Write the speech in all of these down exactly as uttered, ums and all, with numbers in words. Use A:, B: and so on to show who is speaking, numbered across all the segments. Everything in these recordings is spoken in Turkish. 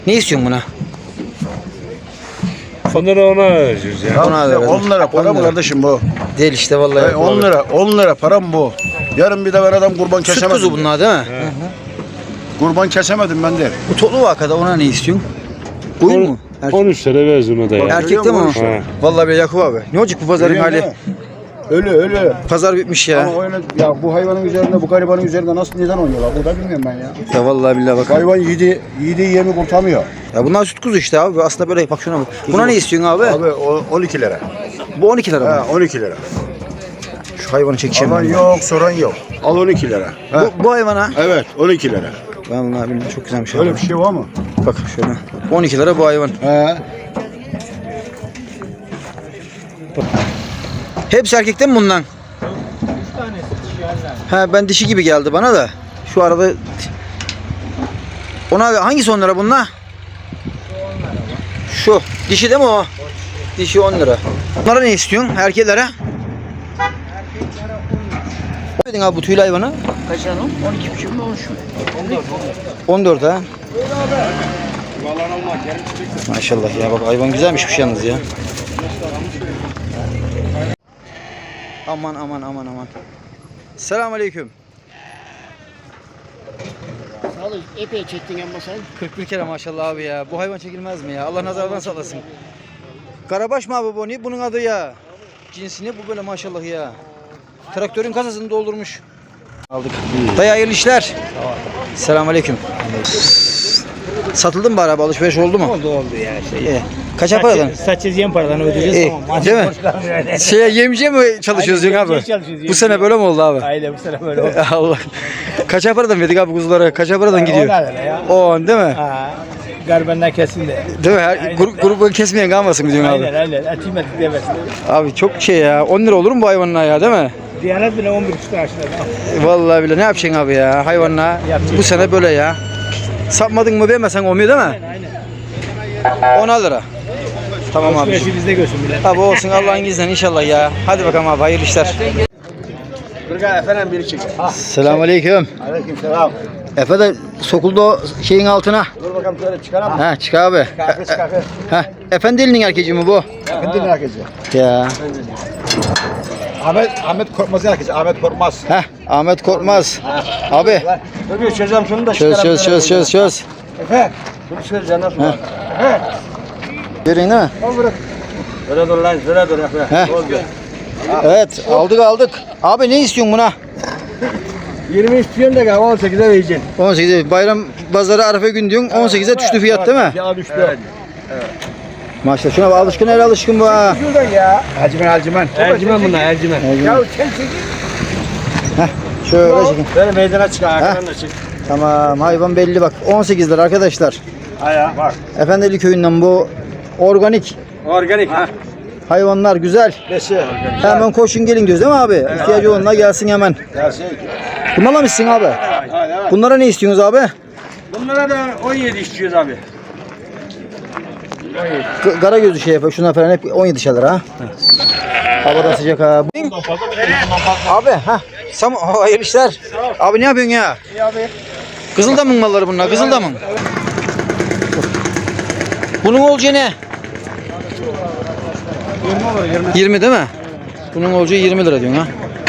A: Ne istiyorsun buna?
B: Onları ona vereceğiz ya.
A: Ona da
C: on lira para mı kardeşim bu?
A: Değil işte vallahi.
C: E, on lira on lira para mı bu? Yarın bir de ben adam kurban
A: Süt
C: kesemedim.
A: kuzu bunlar değil mi?
B: He.
C: Kurban kesemedim ben de.
A: Bu toplu vakada ona ne istiyorsun? Koyun mu? Erkek,
B: on üç lira veririz ona da ya.
A: erkek de mi o?
B: He.
A: Vallahi be Yakup abi. Ne olacak bu pazarın
C: Görüyor
A: hali?
C: musun? Ölü ölü.
A: Pazar bitmiş ya.
C: Ama öyle, ya bu hayvanın üzerinde bu garibanın üzerinde nasıl neden oynuyorlar? Bu da bilmiyorum ben ya.
A: Ya vallahi billahi bak.
C: Hayvan yedi yediği yemi kurtamıyor.
A: Ya bunlar süt kuzu işte abi. Aslında böyle bak şuna bak. Buna ne istiyorsun abi?
C: Abi o- on iki lira.
A: Bu on iki lira mı?
C: Ha on iki lira.
A: Şu hayvanı çekeceğim.
C: Alan
A: ben.
C: yok soran yok. Al on iki lira. Ha.
A: Bu, bu hayvana.
C: Evet on iki lira.
A: Vallahi billahi çok güzelmiş.
C: Öyle
A: Öyle
C: bir şey var mı?
A: Bak şöyle. on iki lira bu hayvan.
C: He.
A: Hepsi erkekten mi bundan? Ha ben dişi gibi geldi bana da. Şu arada ona hangisi on lira bunlar? Şu dişi değil mi o? Dişi on lira. Bunlara ne istiyorsun erkeklere? Ne dedin abi bu tüylü hayvanı?
D: Kaç tane? on iki buçuk mu? on üç mü?
A: on dört ha. Maşallah ya bak hayvan güzelmiş bir şey yalnız ya. Aman aman aman aman. Selamünaleyküm.
D: Sağ ol. Epey çektin ama sen.
A: kırk bir kere maşallah abi ya. Bu hayvan çekilmez mi ya? Allah nazardan saklasın. Karabaş mı abi bu? Ne bunun adı ya? Cinsi ne bu böyle maşallah ya? Traktörün kasasını doldurmuş. Aldık. Dayı hayırlı işler. Selamünaleyküm. Satıldı mı bari abi? Alışveriş oldu mu?
E: Oldu oldu ya şey.
A: İyi. Kaça paradan?
E: Saçız yem paradan ödeyeceğiz
A: İyi.
E: tamam.
A: Değil mi? Şeye yemciye mi çalışıyoruz
E: Aynen,
A: yok abi?
E: yemciye çalışıyoruz,
A: Bu
E: yemciye.
A: sene böyle mi oldu abi?
E: Aynen bu sene böyle oldu.
A: Allah. Kaça paradan verdik abi kuzulara? Kaça paradan gidiyor?
E: on lira ya.
A: on değil mi?
E: Ha. Garibanlar kesin de.
A: Değil mi? Her, grup, grubu kesmeyen kalmasın diyorsun abi.
E: Aynen aynen. Atayım atayım demesin.
A: Abi çok şey ya. on lira olur mu bu hayvanın ayağı değil mi?
E: Diyanet bile on bir buçuk lira aşağıda.
A: Vallahi bile ne yapacaksın abi ya hayvanla?
E: Yapacak.
A: Bu sene böyle ya. Sapmadın mı vermesen olmuyor değil mi?
E: Aynen.
A: on lira. Tamam abi.
E: Alışverişi bizde görsün bile.
A: Abi olsun Allah'ın izniyle inşallah ya. Hadi bakalım abi hayırlı işler.
C: Kırga efendim biri çek.
A: Selamünaleyküm.
C: Aleyküm selam.
A: Efe de sokuldu o şeyin altına.
C: Dur bakalım şöyle çıkaralım.
A: Ha çık abi.
C: Kalkı çıkartı.
A: Ha Efendili'nin erkeği mi bu?
C: Efendim herkese.
A: Ya.
C: Ahmet Ahmet Korkmaz herkese. Ahmet Korkmaz.
A: Ha Ahmet Korkmaz. Abi
C: Dur bir çözeceğim şunu da
A: çöz çöz çöz çöz çöz.
C: Efe. Şunu çözeceğim nasıl var? Efe.
A: Verin değil mi?
C: Al bırak. Böyle dur lan, böyle dur Efe.
A: Heh.
C: Oldu.
A: Evet aldık aldık. Abi ne istiyorsun buna?
C: yirmi istiyorsun da on sekize vereceksin.
A: on sekize bayram pazarı Arife gün diyorsun. on sekize düştü fiyat değil mi?
C: Ya düştü. Evet.
A: Maşallah şuna bak alışkın el alışkın bu ha.
C: Şuradan ya. Ercimen Ercimen.
E: Ercimen bunlar ercimen.
C: Ya çek çek.
A: Şöyle çekin.
C: Böyle meydana çık, arkadan da çık.
A: Tamam hayvan belli bak. on sekiz lira arkadaşlar.
C: Aya bak.
A: Efendili köyünden bu organik
C: Organik ha.
A: hayvanlar güzel.
C: Besi.
A: Hemen koşun gelin diyoruz değil mi abi? İhtiyacı olanlar gelsin hemen.
C: Ya şey.
A: Bunlarla mısın abi?
C: Hadi hadi.
A: Bunlara ne istiyorsunuz abi?
C: Bunlara da on yedi istiyoruz abi.
A: G- Kara gözü şey yapıyor. Şuna falan hep on yedi lira ha. Havada sıcak ha. Abi ha. Sam hayırlı işler. Abi ne yapıyorsun ya?
C: İyi abi.
A: Kızıldamın malları bunlar. Kızıldamın. Bunun olacağı ne? yirmi değil mi? Bunun olacağı yirmi lira diyorsun ha.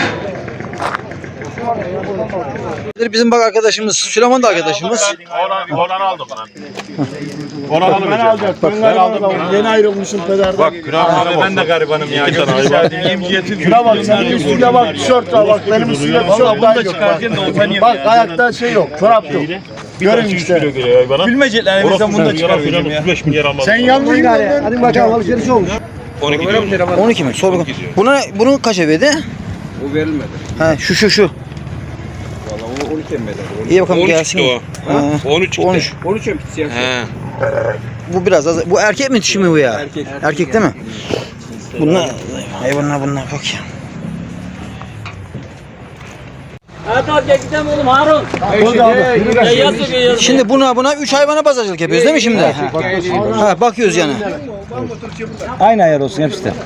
A: Bizim bak arkadaşımız, Süleyman da arkadaşımız.
B: Oradan aldım ben. Oradan aldım.
C: Ben alacağım. Ben aldım. Yeni ayrılmışım pederden.
B: Bak abi ben de garibanım ya. İki tane hayvan.
C: Şuna bak senin üstüne bak tişört var bak benim üstüne tişört var yok bak. Bak ayakta şey yok çorap yok. Görün işte.
B: Bilmeyecekler. Orası bunu da çıkarıyorum ya. otuz beş milyar almadım.
C: Sen yanlış gidiyorsun.
A: Hadi bakalım alışveriş olmuş.
B: on iki lira.
A: on iki mi? Sor bakalım. Buna bunu kaça verdi?
C: O verilmedi.
A: Ha şu şu şu.
C: Vallahi o on iki mi bedeli?
A: İyi bakalım
B: on üç
A: gelsin.
B: o.
A: Ha,
B: on üç
A: on üç.
C: on üç mi siyah?
B: He.
A: Bu biraz az. Bu erkek mi dişi mi bu ya?
C: Erkek.
A: Erkek değil mi? Bunlar hayvanlar bunlar bak ya. Şimdi buna buna üç hayvana pazarcılık yapıyoruz değil mi şimdi? Ha bakıyoruz yani.
E: Aynı ayar olsun hepsi de.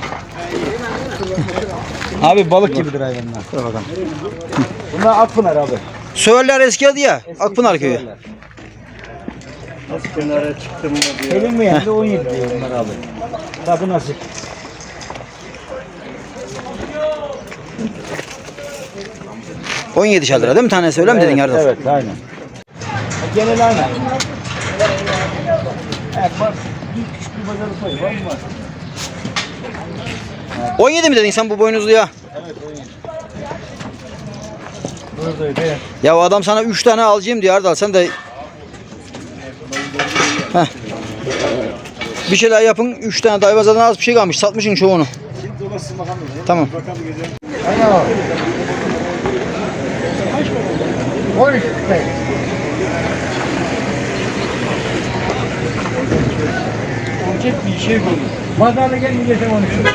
E: Abi balık gibidir hayvanlar.
A: Dur bakalım.
E: Bunlar Akpınar abi.
A: Söğürler eski adı ya. Akpınar köyü.
C: Kenara çıktım mı diyor.
E: Selim mi yendi on yedi diyor bunlar abi. Tabi nasip.
A: on yedi lira değil mi tanesi öyle mi dedin Erdal?
E: Evet aynen. Genel aynen. Evet bak. Bir küçük bir pazarı payı var mı var?
A: on yedi mi dedin sen bu boynuzluya?
E: Buradaydı.
A: Ya o adam sana üç tane alacağım diyor Erdal sen de. Heh. Bir şeyler yapın üç tane dayvazadan az bir şey kalmış satmışsın çoğunu. Tamam.
C: on üç.
E: Olacak bir şey bulur. Pazarda gelince sen onu şu.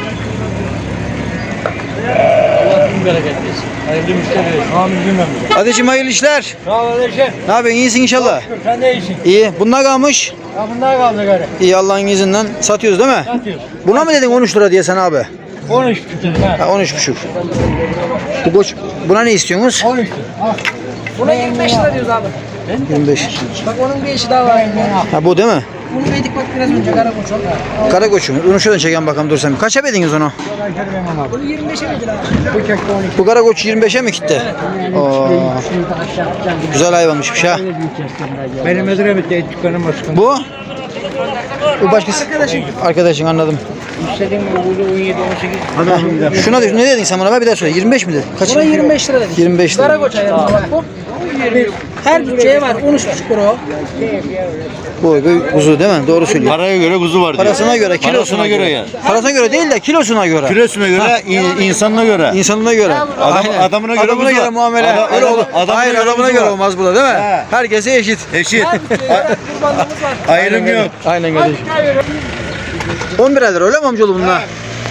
E: Allah bin bereket versin. Hayırlı müşteriler. Amin bilmem.
A: Adeciğim hayırlı işler.
E: Sağ ol Aleşem.
A: Ne yapıyorsun iyisin inşallah.
E: Sen de iyisin.
A: İyi. Bunlar kalmış.
E: Ya bunlar kaldı gari.
A: İyi Allah'ın izniyle satıyoruz değil mi?
E: Satıyoruz.
A: Buna mı dedin on üç lira diye sen abi?
E: on üç tutuyor. Ha.
A: Ha on üç buçuk. Bu koç buna ne istiyorsunuz?
E: on üç tutuyor.
F: Buna yirmi beş lira diyoruz abi.
A: yirmi beş.
F: Bak onun bir eşi daha var.
A: Ha bu değil mi?
F: Bunu yedik bak biraz önce karakoç o.
A: Kara koçum. Onu şuradan çeken bakalım dur sen. Kaça bediniz onu?
F: Bunu yirmi beşe midir abi?
A: Bu kara koç yirmi beşe mi gitti? Oo. Güzel hayvanmışmış ha.
E: Benim Edremit'te dükkanım başkanı.
A: Bu? Bu başkası. Arkadaşın. Arkadaşın anladım.
E: İstediğim bu on yedi on sekiz.
A: Şuna ne dedin sen bana? Bir daha söyle. yirmi beş mi dedin? Kaç?
F: Buna yirmi beş lira dedik.
A: yirmi beş lira.
F: Karakoç ayarında bak bu. Her bütçeye var. on üç buçuk lira o.
A: Bu bu kuzu değil mi? Doğru söylüyor.
G: Paraya göre kuzu var diyor.
A: Parasına göre, kilosuna
G: Parasına
A: göre.
G: göre yani.
A: Parasına göre değil de kilosuna göre.
G: Kilosuna göre, in- insanına göre.
A: İnsanına göre.
G: Adam-
A: Aynen.
G: adamına göre
A: adamına
G: kuzu
A: göre
G: var.
A: muamele.
G: Adam-
A: Öyle
G: adam-
A: olur.
G: adamına
A: Hayır
G: göre
A: adamına
G: kuzu
A: göre
G: var.
A: olmaz bu da değil mi?
G: He.
A: Herkese eşit.
G: Eşit.
F: Kurbanlığımız var.
G: Ayrım yok.
A: Aynen kardeşim. on bir lira öyle mi amcaoğlu bunlar?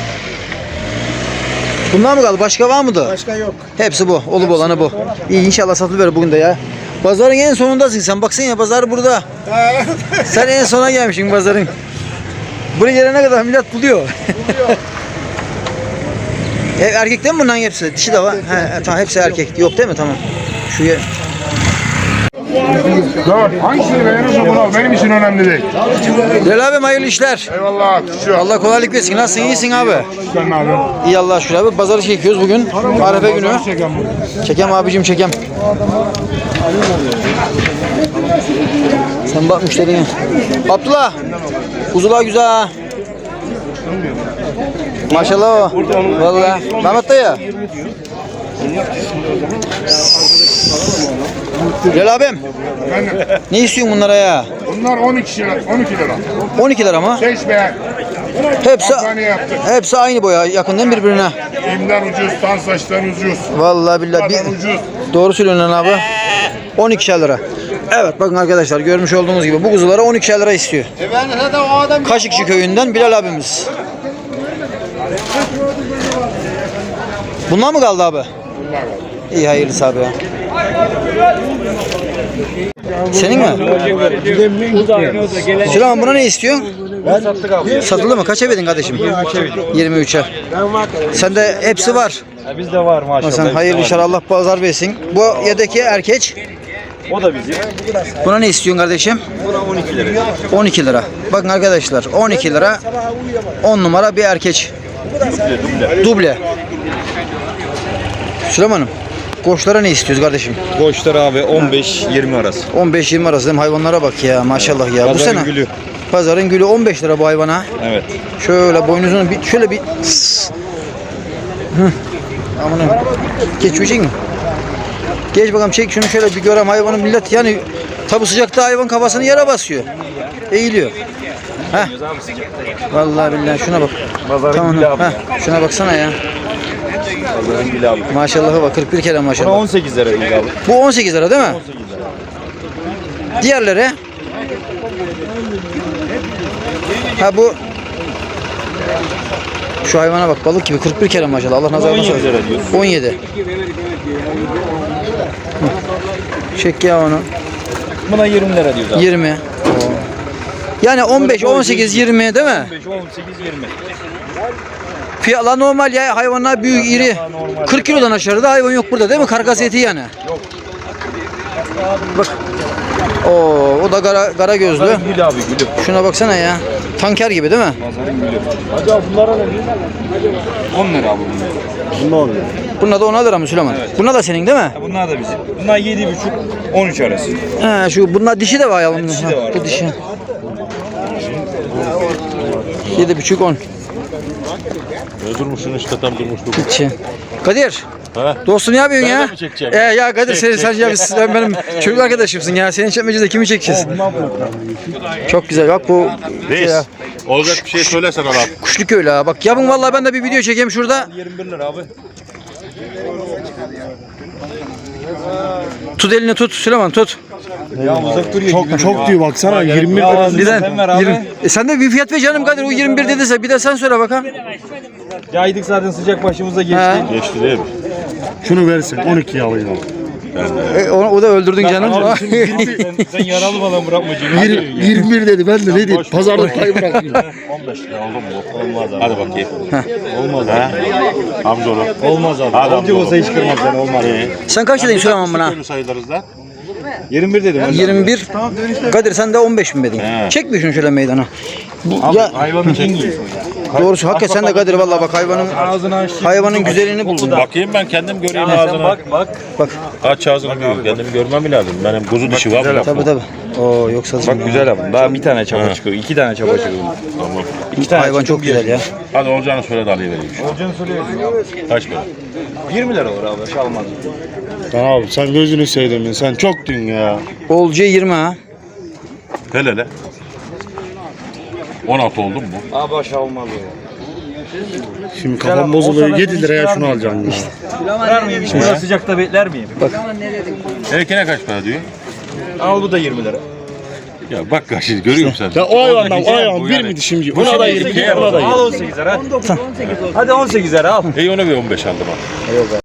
A: Bunlar mı kaldı? Başka var mıydı?
C: Başka yok.
A: Hepsi bu. Olup olanı bu. İyi inşallah satılıverir bugün de ya. Pazarın en sonundasın sen. Baksana ya pazar burada. Sen en sona gelmişsin pazarın. Buraya gelene kadar millet buluyor. e, erkek değil mi bunların hepsi? Dişi de var. He, tamam hepsi erkek. Yok değil mi? Tamam. Şu ye-
H: Dört. Hangisini beğenirse bunu al. Benim için önemli değil.
A: Bilal abim hayırlı işler.
H: Eyvallah. Şu.
A: Allah kolaylık versin. Nasılsın? İyisin abi.
H: Sen ne yapıyorsun?
A: İyi Allah şükür abi. Pazarı çekiyoruz bugün. Arefe günü. Çekem abicim çekem. Sen bak müşterine. Abdullah. Kuzular güzel ha. Maşallah o. Vallahi. Mehmet dayı. Bilal abim.
H: Efendim,
A: Ne istiyorsun bunlara ya?
H: bunlar on iki lira. on iki lira.
A: on iki lira mı?
H: Seç beğen.
A: Hepsi
H: Kampanya yaptık.
A: hepsi aynı boya. Yakın değil mi birbirine?
H: İmden ucuz, tan saçtan ucuz.
A: Vallahi billahi.
H: Kadar
A: Bir,
H: ucuz.
A: doğru söylüyorsun lan abi. on iki lira. Evet bakın arkadaşlar görmüş olduğunuz gibi bu kuzulara on iki lira istiyor. Kaşıkçı köyünden Bilal abimiz. Bunlar mı kaldı abi? İyi hayırlısı abi ya. Senin mi? Süleyman buna ne istiyorsun? Satıldı mı? Kaça verdin kardeşim? yirmi üçe. Sende hepsi var.
B: Bizde var maşallah.
A: Sen hayırlı işler Allah pazar versin. Bu yedeki erkek.
B: O da bizim.
A: Buna ne istiyorsun kardeşim?
B: Buna on iki lira.
A: on iki lira. Bakın arkadaşlar on iki lira on numara bir erkek. Duble. Süleyman'ım koçlara ne istiyoruz kardeşim?
B: Koçlar abi on beş yirmi arası.
A: on beş yirmi arası değil mi? Hayvanlara bak ya maşallah ya. Bu
B: Pazarın
A: sene
B: gülü.
A: pazarın gülü on beş lira bu hayvana.
B: Evet.
A: Şöyle boynuzunu bir şöyle bir Sss. Hı. Amanın. Geçmeyecek mi? Geç bakalım çek şunu şöyle bir görem hayvanın millet yani tabi sıcakta hayvan kafasını yere basıyor. Eğiliyor. Heh. Vallahi billahi şuna bak.
B: Pazarın
A: Tamam.
B: gülü abi.
A: Heh. Şuna baksana ya.
B: Pazarın gülü abi.
A: Maşallah'a bak kırk bir kere
B: Buna
A: maşallah.
B: on sekiz lira değil abi.
A: Bu on sekiz lira değil mi?
B: on sekiz lira.
A: Diğerleri? Ha bu şu hayvana bak balık gibi kırk bir kere maşallah. Allah nazardan
B: on yedi
A: saklasın.
B: lira diyorsun.
A: on yedi. Çek ya onu.
B: Buna yirmi lira diyoruz abi.
A: yirmi. Yani on beş, on sekiz, yirmi değil mi?
B: on beş, on sekiz, yirmi.
A: Fiyatlar normal ya. Hayvanlar büyük, iri. kırk kilodan aşağıda hayvan yok burada değil mi? Karkas eti yani. Yok. Bak. Oo, o da kara, kara gözlü.
B: Gül abi gülüm.
A: Şuna baksana ya. Tanker gibi değil mi?
B: Pazarın gülü.
C: Acaba bunlara ne diyor?
B: on lira abi bunlar.
C: Ne oluyor?
A: Bunlar da ona lira mı Süleyman? Bunlar da senin değil mi?
B: Ha, bunlar da bizim. Bunlar yedi buçuk on üç arası.
A: He, şu bunlar dişi de var ya.
B: dişi de var.
A: Bu dişi. Yedi buçuk on.
G: Ne durmuşsun işte tam durmuştuk.
A: Dişi. Kadir.
G: Ha?
A: Dostum ne yapıyorsun
G: Ben de
A: ya?
G: mi çekeceğim?
A: Ee, ya Kadir sen, sen, ya, sen benim çocuk arkadaşımsın ya. Senin çekmecede kimi çekeceğiz? Çok güzel bak bu
G: Reis. Olacak bir şey söylesen adam.
A: kuşlu köylü ha. Bak yapın vallahi ben de bir video çekeyim şurada.
B: yirmi bir lira abi.
A: Tut elini tut Süleyman tut.
B: Ya uzak duruyor.
C: Çok çok diyor baksana yirmi bir lira.
A: Bir de
B: Sen ver abi.
A: yirmi. E sen de bir fiyat ver canım Kadir. O yirmi bir dediyse bir de sen söyle bakalım.
B: Yaydık zaten sıcak başımıza geçti.
A: Ha.
G: Geçti değil mi?
C: Şunu versin on ikiye alayım.
A: E, onu, o da öldürdün canım.
B: sen, sen yaralı falan bırakma Cemil.
C: yirmi bir dedi ben de ne diyeyim pazarlık payı bırakıyorum.
G: on beş lira oldu mu? Olmaz abi. Hadi bakayım. Olmaz ha? Amcaoğlu.
B: Olmaz abi.
G: Hadi
B: Olacak
G: amcaoğlu.
B: olsa hiç kırmaz seni olmaz.
A: Sen kaç dedin Süleyman buna?
G: Köylü sayılırız lan.
B: yirmi bir dedim.
A: yirmi bir. Kadir sen de on beş mi dedin?
G: He.
A: Çek bir şunu şöyle meydana. Bu,
B: Abi
A: ya
B: hayvanın cengi.
A: doğrusu hakikaten sen de Kadir vallahi bak hayvanın
B: Ağzını aç.
A: hayvanın güzelliğini buldun.
G: Bakayım ben kendim göreyim
B: Sen
G: ağzını.
B: bak bak.
A: Bak
G: Aç ağzını gör. Kendimi görmem mi lazım? Benim kuzu dişi var mı?
A: tabii tabii. Oo yoksa
B: Bak güzel abi. Daha bir tane çaba çıkıyor. iki tane çaba çıkıyor.
G: Tamam.
B: İki tane
A: hayvan çok güzel ya.
G: Hadi olacağını söyle de alayım vereyim.
B: Olacağını söylüyorsun.
G: Kaç para?
B: yirmi lira olur abi. Şalmaz.
C: Lan abi sen gözünü sevdin sen çok dün ya.
A: Olcu yirmi ha.
G: Hele hele. on altı oldun mu?
B: Abi aşağı olmaz ya.
C: Şimdi kafam bozuluyor yedi liraya şunu alacaksın ya.
B: Kırar mıyım? Hiç burada sıcakta bekler miyim?
G: Erkene kaç para diyor?
B: Al bu da yirmi lira.
G: Ya bak şimdi görüyor musun sen?
C: Ya o hayvandan o
G: Bu
C: hayvan bir
G: yani.
C: mi dişimci? Buna da yirmi buna da
B: Al
C: yirmi.
B: on sekiz lira. Hadi on sekiz lira al.
G: İyi ona bir on beş aldım abi.